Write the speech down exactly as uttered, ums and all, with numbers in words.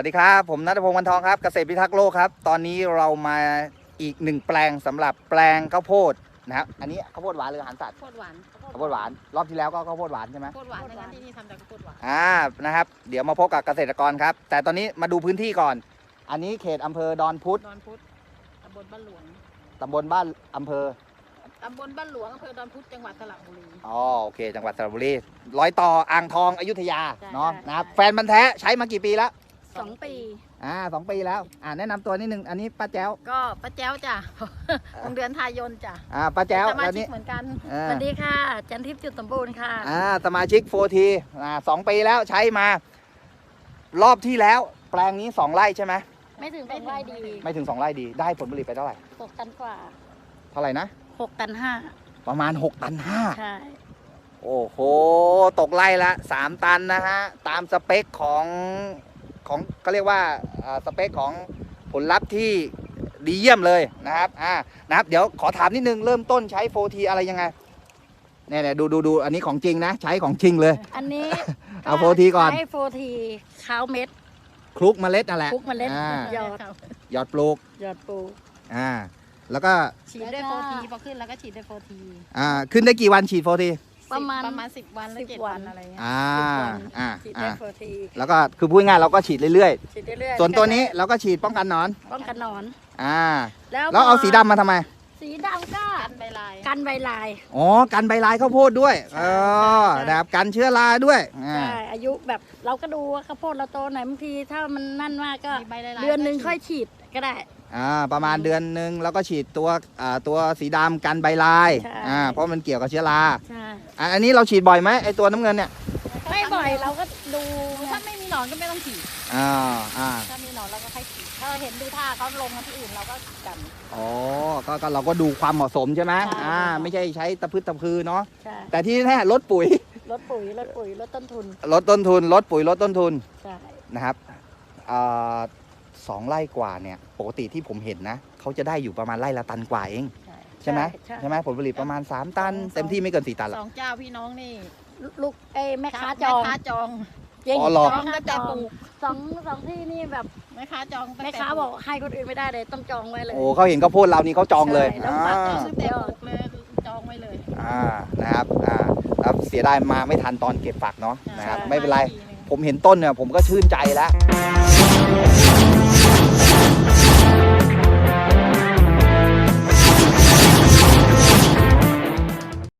วัสดีครับผมณัฐพงศ์ วรรณทองครับเกษตรพิทักษ์โลกครับตอนนี้เรามาอีกหนึ่งแปลงสำหรับแปลงข้าวโพดนะครับอันนี้ข้าวโพดหวานหรืออาหารสัตว์ข้าวโพดหวานข้าวโพดหวานรอบที่แล้วก็ข้าวโพดหวานใช่ไหมข้าวโพดหวานนะคะที่นี่ทำจากข้าวโพดหวานอ่านะครับเดี๋ยวมาพบกับเกษตรกรครับแต่ตอนนี้มาดูพื้นที่ก่อนอันนี้เขตอำเภอดอนพุธดอนพุธตำบลบ้านหลวงตำบลบ้านอำเภอตำบลบ้านหลวงอำเภอดอนพุธจังหวัดสระบุรีอ๋อโอเคจังหวัดสระบุรีร้อยต่ออ่างทองอยุธยาเนาะนะครับแฟนบันแท้ใช้มากี่ปีแล้วสองปีอ่าสองปีแล้วอ่าแนะนำตัวนิดนึงอันนี้ป้าแจ้วก็ป้าแจ้วจ้ะ โรงเรียนทายนจ้ะอ่าป้าแจ้วสมาแล้วชิกนี่เหมือนกันสวัสดีค่ะจันทิพย์จุดสมบูรณ์ค่ะอ่าสมาชิกโฟทีอ่าสองปีแล้วใช้มารอบที่แล้วแปลงนี้สองไร่ใช่ไหมไม่ถึงสองไร่ดีไม่ถึงสองไร่ดีได้ผลผลิตไปเท่าไหร่หกตันกว่าเท่าไหร่นะหกตันห้าประมาณหกตันห้าใช่โอ้โหตกไร่ละสามตันนะฮะตามสเปคของของก็เรียกว่าสเปคของผลลัพธ์ที่ดีเยี่ยมเลยนะครับอ่านะครับเดี๋ยวขอถามนิดนึงเริ่มต้นใช้โฟทีอะไรยังไงเนี่ยเนี่ยดูดูดูอันนี้ของจริงนะใช้ของจริงเลยอันนี้เอาโฟทีก่อนใช้โฟทีข้าวเม็ดคลุกเมล็ดนั่นแหละคลุกเมล็ดหยอดหยอดปลูกหยอดปลูกอ่าแล้วก็ฉีดด้วยโฟทีพอขึ้นแล้วก็ฉีดด้วยโฟทีอ่าขึ้นได้กี่วันฉีดโฟทีประมาณประมาณสิบวันหรือเจ็ดวันอะไรเงี้ยอ่าอ่าฉีดได้โฟทีแล้วก็คือพูดง่ายเราก็ฉีดเรื่อยๆฉีดเรื่อยๆส่วนตัวนี้เราก็ฉีดป้องกันหนอนป้องกันหนอนอ่าแล้วเอาสีดำมาทำไมสีดำก็กันใบลายกันใบลายอ๋อกันใบลายข้าวโพดด้วยเออนะครับกันเชื้อราด้วยใช่อายุแบบเราก็ดูว่าข้าวโพดเราโตไหนบางทีถ้ามันนั่นมากก็เดือนหนึ่งค่อยฉีดก็ได้อ่าประมาณเดือนหนึ่งแล้วก็ฉีดตัวอ่าตัวสีดำกันใบลายอ่าเพราะมันเกี่ยวกับเชื้อราใช่อันนี้เราฉีดบ่อยไหมไอตัวน้ำเงินเนี่ยไม่บ่อยเราก็ดูถ้าไม่มีหนอนก็ไม่ต้องฉีดอ่าอ่าถ้ามีหนอนเราก็ให้ฉีดถ้าเห็นดูท่าเขาลงมาที่อื่นเราก็กันอ๋อก็ก็เราก็ดูความเหมาะสมใช่ไหมอ่าไม่ใช่ใช้ตะพืชตะพือเนาะแต่ที่แน่ลดปุ๋ยลดปุ๋ยลดปุ๋ยลดต้นทุนลดต้นทุนลดปุ๋ยลดต้นทุนใช่นะครับอ่าสองไร่กว่าเนี่ยปกติที่ผมเห็นนะเขาจะได้อยู่ประมาณไร่ละตันกว่าเองใช่ไหมใช่ไหมผลผลิตประมาณสามตันเต็มที่ไม่เกินสี่ตันหรอกสองเจ้าพี่น้องนี่ลูกเอแม่ค้าจองแม่ค้าจองจริงจองก็จะปลูกสองสองที่นี่แบบแม่ค้าจองแม่ค้าบอกให้คนอื่นไม่ได้เลยต้องจองไว้เลยโอ้เขาเห็นข้าวโพดเรานี่เขาจองเลยแล้วปักจองซื้อเต็มปลูกเลยจองไว้เลยอ่านะครับอ่าแล้วเสียดายมาไม่ทันตอนเก็บฝักเนาะนะครับไม่เป็นไรผมเห็นต้นเนี่ยผมก็ชื่นใจแล้ว